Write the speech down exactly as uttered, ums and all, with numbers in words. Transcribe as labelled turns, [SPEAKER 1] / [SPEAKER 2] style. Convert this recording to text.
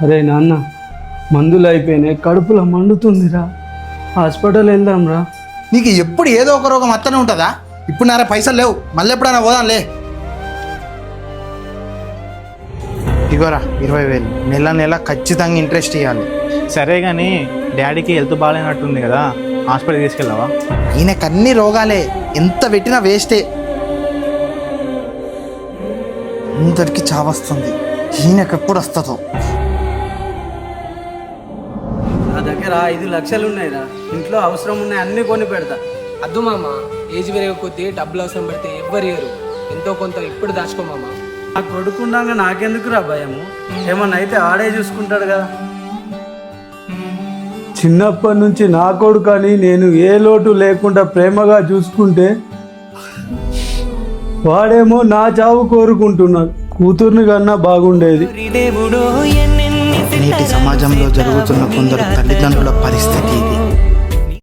[SPEAKER 1] అరే నాన్న, మందులు అయిపోయినాయి, కడుపులో మండుతుందిరా, హాస్పిటల్ వెళ్దాంరా.
[SPEAKER 2] నీకు ఎప్పుడు ఏదో ఒక రోగం అత్తనే ఉంటుందా? ఇప్పుడు నారా పైసలు లేవు, మళ్ళీ ఎప్పుడైనా పోదాంలే. ఇగోరా ఇరవై వేలు, నెల నెల ఖచ్చితంగా ఇంట్రెస్ట్ ఇవ్వాలి.
[SPEAKER 3] సరే కానీ డాడీకి హెల్త్ బాగాలేనట్టుంది కదా, హాస్పిటల్ తీసుకెళ్ళావా?
[SPEAKER 2] ఈయనకు అన్ని రోగాలే, ఎంత పెట్టినా వేస్టే. అందరికి చావస్తుంది, ఈయనకు ఎప్పుడు వస్తుందో.
[SPEAKER 1] నా దగ్గర ఐదు లక్షలు ఉన్నాయిరా, ఇంట్లో అవసరం ఉన్నాయి, అన్నీ కొని పెడతా.
[SPEAKER 4] అద్దు మామ, ఏజ్ పెరిగే కొద్దీ డబ్బులు అవసరం పడితే ఎవ్వరు ఇయ్యరు. ఎంతో కొంత ఇప్పుడు దాచుకో మామ.
[SPEAKER 1] నా కొడుకున్నాక నాకెందుకురా భయము? ఏమన్నా అయితే ఆడే చూసుకుంటాడు కదా. చిన్నప్పటి నుంచి నా కొడుకని నేను ఏ లోటు లేకుండా ప్రేమగా చూసుకుంటే వాడేమో నా చావు కోరుకుంటున్నాడు. కూతుర్ని కన్నా బాగుండేది.
[SPEAKER 2] నేటి సమాజంలో జరుగుతున్న కొందరు తల్లిదండ్రుల పరిస్థితి ఇది.